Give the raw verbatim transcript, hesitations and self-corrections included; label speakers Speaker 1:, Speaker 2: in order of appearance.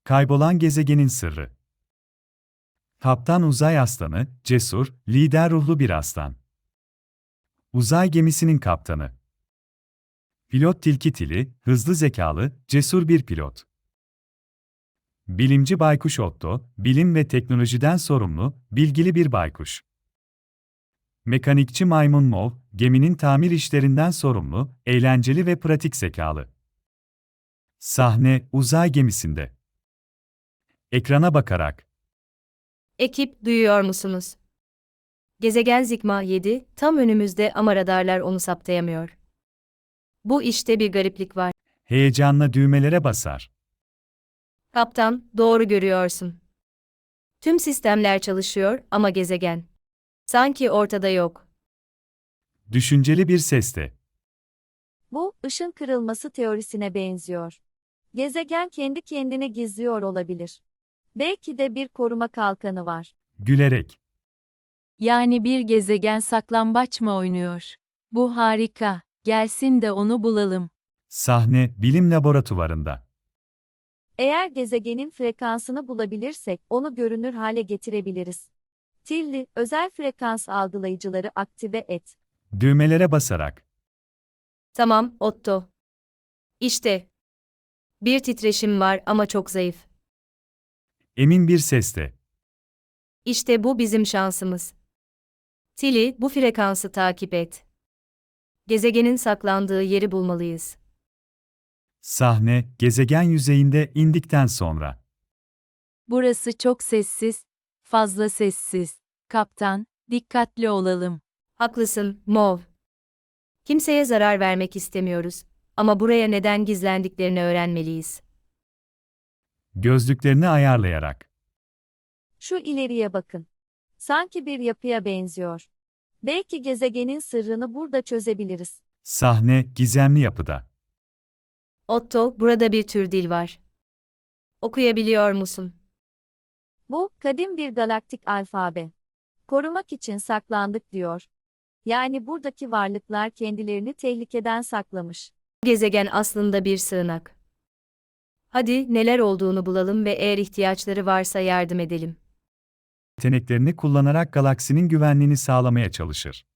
Speaker 1: Kaybolan gezegenin sırrı. Kaptan Uzay Aslanı, cesur, lider ruhlu bir aslan. Uzay gemisinin kaptanı. Pilot Tilki Tili, hızlı zekalı, cesur bir pilot. Bilimci Baykuş Otto, bilim ve teknolojiden sorumlu, bilgili bir baykuş. Mekanikçi Maymun Mov, geminin tamir işlerinden sorumlu, eğlenceli ve pratik zekalı. Sahne, uzay gemisinde. Ekrana bakarak.
Speaker 2: Ekip, duyuyor musunuz? Gezegen Zigma yedi, tam önümüzde ama radarlar onu saptayamıyor. Bu işte bir gariplik var.
Speaker 1: Heyecanla düğmelere basar.
Speaker 2: Kaptan, doğru görüyorsun. Tüm sistemler çalışıyor ama gezegen sanki ortada yok.
Speaker 1: Düşünceli bir sesle.
Speaker 3: Bu, ışın kırılması teorisine benziyor. Gezegen kendi kendine gizliyor olabilir. Belki de bir koruma kalkanı var.
Speaker 1: Gülerek.
Speaker 4: Yani bir gezegen saklambaç mı oynuyor? Bu harika. Gelsin de onu bulalım.
Speaker 1: Sahne, bilim laboratuvarında.
Speaker 3: Eğer gezegenin frekansını bulabilirsek, onu görünür hale getirebiliriz. Tilli, özel frekans algılayıcıları aktive et.
Speaker 1: Düğmelere basarak.
Speaker 2: Tamam, Otto. İşte. Bir titreşim var ama çok zayıf.
Speaker 1: Emin bir sesle.
Speaker 2: İşte bu bizim şansımız. Tilly, bu frekansı takip et. Gezegenin saklandığı yeri bulmalıyız.
Speaker 1: Sahne, gezegen yüzeyinde indikten sonra.
Speaker 4: Burası çok sessiz, fazla sessiz. Kaptan, dikkatli olalım.
Speaker 2: Haklısın, Mov. Kimseye zarar vermek istemiyoruz ama buraya neden gizlendiklerini öğrenmeliyiz.
Speaker 1: Gözlüklerini ayarlayarak.
Speaker 3: Şu ileriye bakın. Sanki bir yapıya benziyor. Belki gezegenin sırrını burada çözebiliriz.
Speaker 1: Sahne, gizemli yapıda.
Speaker 2: Otto, burada bir tür dil var. Okuyabiliyor musun?
Speaker 3: Bu, kadim bir galaktik alfabe. Korumak için saklandık diyor. Yani buradaki varlıklar kendilerini tehlikeden saklamış.
Speaker 2: Gezegen aslında bir sığınak. Hadi neler olduğunu bulalım ve eğer ihtiyaçları varsa yardım edelim.
Speaker 1: Yeteneklerini kullanarak galaksinin güvenliğini sağlamaya çalışır.